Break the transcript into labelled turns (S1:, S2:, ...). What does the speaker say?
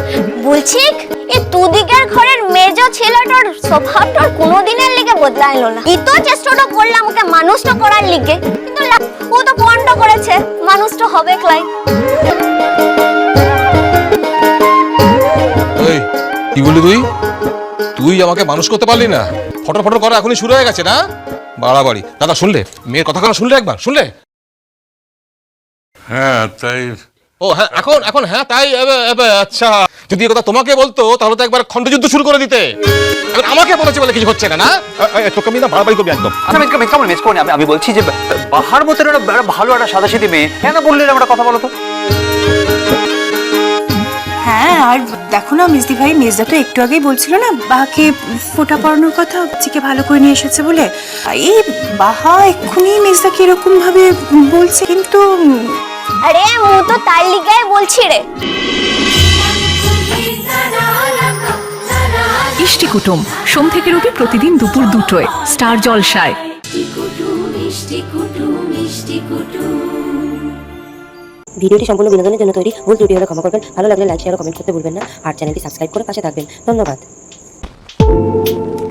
S1: বলছি এই দুদিকের ঘরের মেজ ছেলেটার স্বভাবটা কোনোদিনের লিগে বদলাইলো না। ই তো চেষ্টাটা করলাম ওকে মানুষটা করার লিগে, কিন্তু ও তো পণ্ড করেছে, মানুষটা হবে ক্লাই।
S2: এই কি বললি তুই? তুই আমাকে মানুষ করতে পারলি না? ফটো ফটো করা এখনই শুরু হয়ে গেছে না? বাড়াবাড়ি। দাদা শুনলে মেয়ের কথা শুনলে? একবার শুনলে?
S3: হ্যাঁ তাই।
S2: ও হ্যাঁ, এখন এখন হ্যাঁ তাই। আচ্ছা, যদি এই কথা তোমাকে বলতো তাহলে তো একবার খণ্ডযুদ্ধ শুরু করে দিতে। এখন আমাকে বলেছে বলে কিছু হচ্ছে না, না? তোকে আমি না বাড়াবাড়ি করবি একদম।
S4: আমি বলছি যে বাহার মতো একটা ভালো একটা সাদাসিধি মেয়ে, কেন বললেন আমরা কথা বলো তো?
S5: হ্যাঁ, আর দেখো না মিসদি ভাই, মির্জা তো একটু আগেই বলছিল না বাহাকে ফোঁটা পড়ানোর কথা, চিকে ভালো করে নিয়ে এসেছে বলে। এই বাহা এক্ষুনি মির্জাকে এরকম ভাবে বলছে, কিন্তু
S1: আরে ও তো তার লিগাই বলছি রে।
S6: ইষ্টি কুটুম সোম থেকে রবি প্রতিদিন দুপুর 2টোয় স্টার জলসায়।
S7: ভিডিওটি সম্পূর্ণ বিনোদনের জন্য তৈরি, ভুল ত্রুটি হলে ক্ষমা করবেন। ভালো লাগলে লাইক, শেয়ার ও কমেন্ট করতে ভুলবেন না। আর চ্যানেলটি সাবস্ক্রাইব করে পাশে থাকবেন। ধন্যবাদ।